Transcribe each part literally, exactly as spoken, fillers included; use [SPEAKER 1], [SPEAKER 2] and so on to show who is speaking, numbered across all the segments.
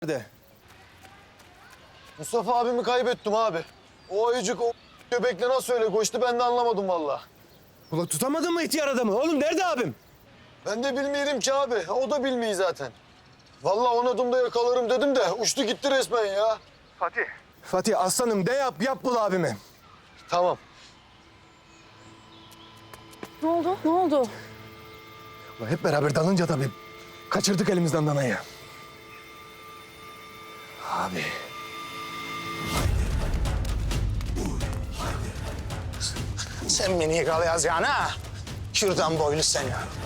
[SPEAKER 1] Nerede?
[SPEAKER 2] Mustafa abimi kaybettim abi. O ayıcık o göbekle nasıl öyle koştu ben de anlamadım vallahi.
[SPEAKER 1] Ulan tutamadın mı ihtiyar adamı? Oğlum nerede abim?
[SPEAKER 2] Ben de bilmiyorum ki abi. O da bilmiyor zaten. Vallahi on adımda yakalarım dedim de uçtu gitti resmen ya.
[SPEAKER 1] Fatih. Fatih aslanım de yap, yap bul abimi.
[SPEAKER 2] Tamam.
[SPEAKER 3] Ne oldu? Ne oldu?
[SPEAKER 1] Ulan hep beraber dalınca tabii kaçırdık elimizden danayı. Abi.
[SPEAKER 4] Sen beni yakalayacaksın ha? Kürdan boylu seni.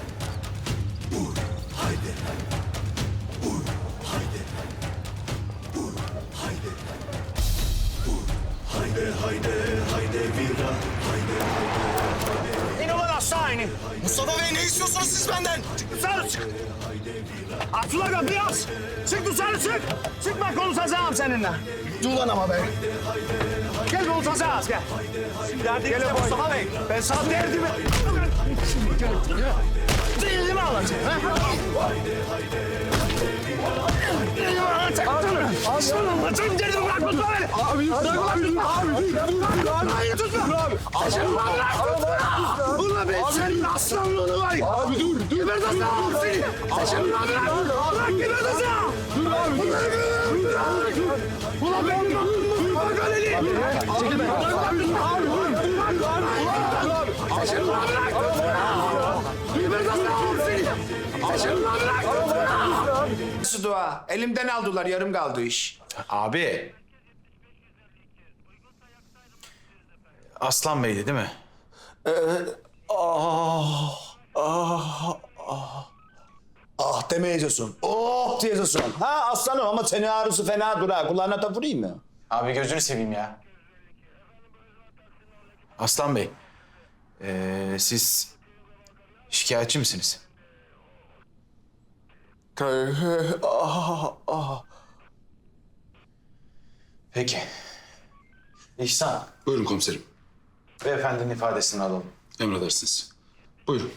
[SPEAKER 4] İn ulan aşağı inin.
[SPEAKER 2] Mustafa Bey ne istiyorsunuz siz benden?
[SPEAKER 4] Dışarı çık. Aç ulan kapıyı aç. Çık dışarı çık. Çık bak konuşacağım seninle.
[SPEAKER 2] Dur lan ama be.
[SPEAKER 4] Gel konuşacağız gel. Gel Mustafa Bey. Ben sana derdimi... Derdimi alacağım. Ha? Derdimi alacağım. Aslanım anlatayım derdimi bırak Mustafa Bey. Abi bırak abi. Hayır tutma. Abi. Aslanım bırak. Ulan ben senin aslanlığını var ya. Abi dur dur. Geber de sağ ol seni. Aslanım bırak. Bırak geber de sağ ol. Dur abi. Bırak. Ulan ben bak öyle. Çekil be. Abi dur. Abi dur. Aslanım bırak. Geber de sağ ol seni. Aslanım bırak.
[SPEAKER 5] Nasıl dua? Elimden aldılar, yarım kaldı iş.
[SPEAKER 6] Abi. Aslan Bey'di değil mi?
[SPEAKER 4] Ah demeyeceksin. Oh diyeceksin. Ha aslanım ama senin ağrısı fena dur ha. Kulağına da vurayım mı?
[SPEAKER 6] Abi gözünü seveyim ya. Aslan Bey. ee, siz şikayetçi misiniz? Peki. İhsan.
[SPEAKER 7] Buyurun komiserim.
[SPEAKER 6] Beyefendinin ifadesini alalım.
[SPEAKER 7] Emredersiniz. Buyurun.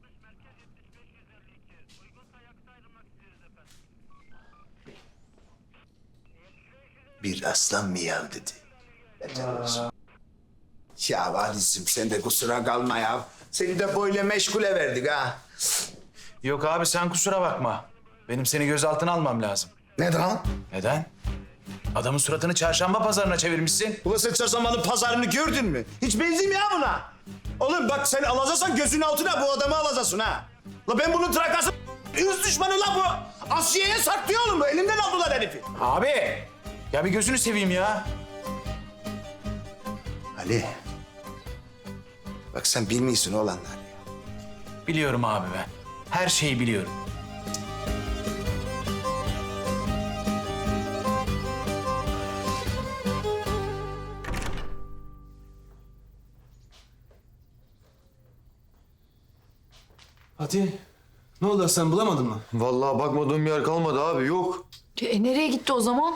[SPEAKER 4] Bir aslan miyav dedi. Ya Valizim sen de kusura kalma ya. Seni de böyle meşgule verdik ha.
[SPEAKER 6] Yok abi sen kusura bakma. Benim seni gözaltına almam lazım.
[SPEAKER 4] Neden?
[SPEAKER 6] Neden? Adamın suratını çarşamba pazarına çevirmişsin.
[SPEAKER 4] Ulan sen çarşambanın pazarını gördün mü? Hiç benzeyim ya buna. Oğlum bak sen alacaksan gözün altına bu adamı alacaksın ha. La ben bunun trakası üz düşmanı la bu. Asiye'ye saklıyor oğlum bu. Elimden aldılar herifi.
[SPEAKER 6] Abi. Ya bir gözünü seveyim ya.
[SPEAKER 4] Ali. Bak sen bilmiyorsun olanlar ya.
[SPEAKER 6] Biliyorum abi ben. Her şeyi biliyorum.
[SPEAKER 1] Fatih. Ne oldu sen bulamadın mı?
[SPEAKER 2] Vallahi bakmadığım yer kalmadı abi yok.
[SPEAKER 3] E, nereye gitti o zaman?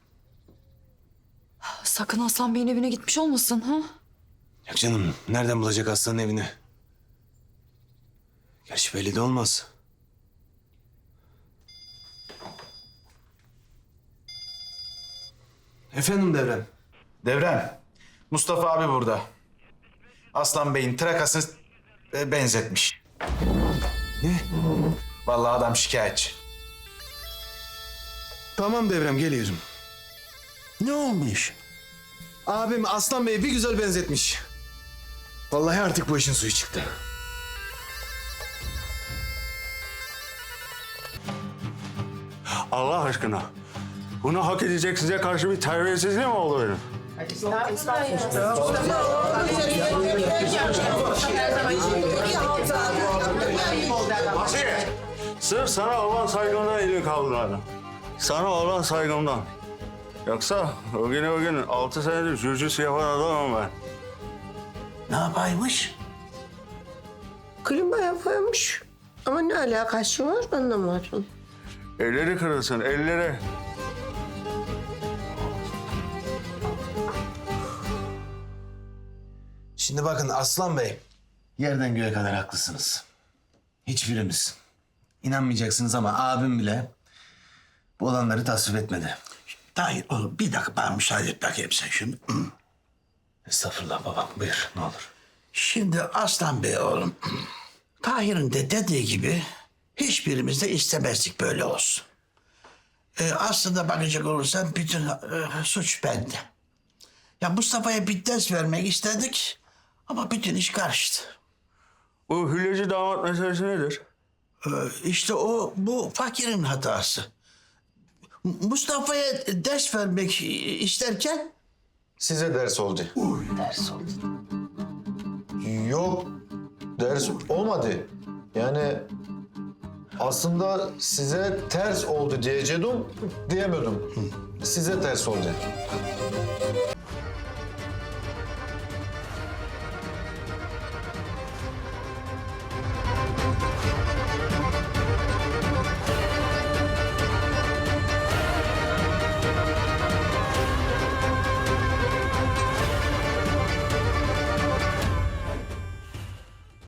[SPEAKER 3] Sakın Aslan Bey'in evine gitmiş olmasın ha?
[SPEAKER 1] Yok canım nereden bulacak aslanın evini? Gerçi belli de olmaz. Efendim Devrem.
[SPEAKER 6] Devrem, Mustafa abi burada. Aslan Bey'in trakasını e, benzetmiş.
[SPEAKER 1] Ne?
[SPEAKER 6] Vallahi adam şikayetçi.
[SPEAKER 1] Tamam Devrem geliyorum. Ne olmuş? Abim Aslan Bey'i bir güzel benzetmiş. Vallahi artık bu işin suyu çıktı.
[SPEAKER 8] Allah aşkına. Bunu hak edecek size karşı bir terbiyesizliği mi oldu benim? Asiye, sırf sana olan saygımdan elini kaldırmadım. Sana olan saygımdan. Yoksa o gün o gün altı senedir jüjüs yapan adamım ben.
[SPEAKER 4] Ne yapaymış?
[SPEAKER 9] Klima yapıyormuş. Ama ne alakası var anlamadım.
[SPEAKER 8] Elleri kırılsın, elleri.
[SPEAKER 1] Şimdi bakın Aslan Bey. Yerden göğe kadar haklısınız. Hiçbirimiz. İnanmayacaksınız ama abim bile bu olanları tasvip etmedi.
[SPEAKER 4] Tahir oğlum bir dakika bana müsaade et bakayım sen şimdi.
[SPEAKER 1] Estağfurullah babam, buyur ne olur.
[SPEAKER 4] Şimdi Aslan Bey oğlum, Tahir'in de dediği gibi hiçbirimiz de istemezdik böyle olsun. Ee, aslında bakacak olursan bütün e, suç bende. Ya Mustafa'ya bir ders vermek istedik ama bütün iş karıştı.
[SPEAKER 8] Bu hülyeci damat meselesi nedir?
[SPEAKER 4] Ee, işte o bu fakirin hatası. M- Mustafa'ya ders vermek isterken
[SPEAKER 2] Size ders oldu.
[SPEAKER 9] Ders oldu.
[SPEAKER 2] Yok, ders olmadı. Yani aslında size ters oldu diyecektim, diyemedim. Size ters oldu.